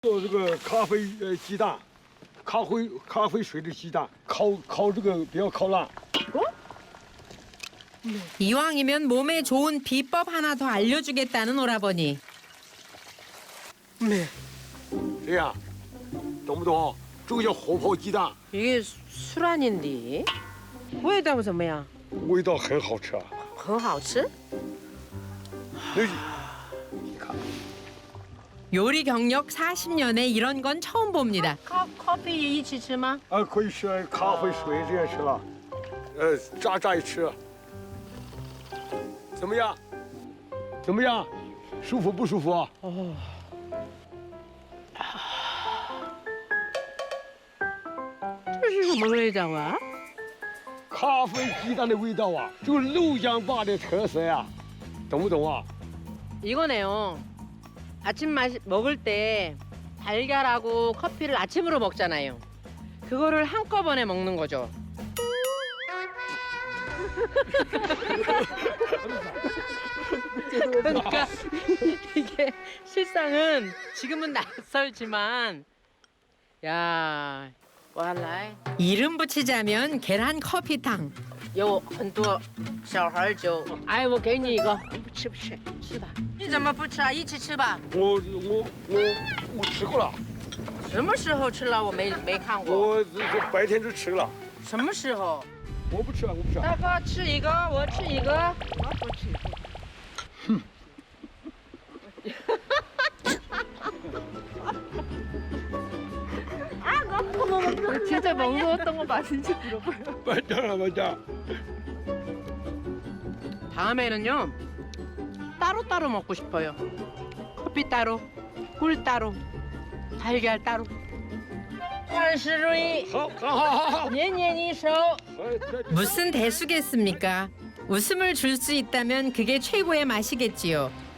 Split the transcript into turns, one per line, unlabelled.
做这个咖啡鸡蛋，咖啡水的鸡蛋，烤这个不要烤烂。
이왕이면 몸에 좋은 비법 하나 더 알려주겠다는 오라버니.
这样，懂不懂？这个叫火泡鸡蛋，
이게 술안인데味道怎么样？
味道很好吃啊。
很好吃。
那你看，
요리 경력 40년에 이런 건 처음 봅니다.
커피一起吃吗？
可以吃咖啡水这样吃了，炸一吃，怎么样？怎么样？舒服不舒服啊？
哦，这是什么味道啊？
咖啡鸡蛋的味道啊，就是陆江坝的特色呀、懂不懂啊？
이거네요. 아침 먹을 때 달걀하고 커피를 아침으로 먹잖아요. 그거를 한꺼번에 먹는 거죠. 그러니까 이게 실상은 지금은 낯설지만 야, 我来
이름 붙이자면 계란 커피탕.
有很多小孩就哎，我给你一个，不吃不吃，吃吧。你怎么不吃啊？一起吃吧。
我吃过了，
什么时候吃了？我没看过。
我这白天就吃了，
什么时候？
我不吃啊，我不吃啊。
大哥吃一个，我吃一个。我不吃。 진짜 먹었던 거 맞는지 물어봐요.
맞아.
다음에는요 따로따로 먹고 싶어요. 커피 따로, 꿀 따로, 달걀 따로. 万事如意，
好，
年年一手。
무슨 대수겠습니까? 웃음을 줄 수 있다면 그게 최고의 맛이겠지요.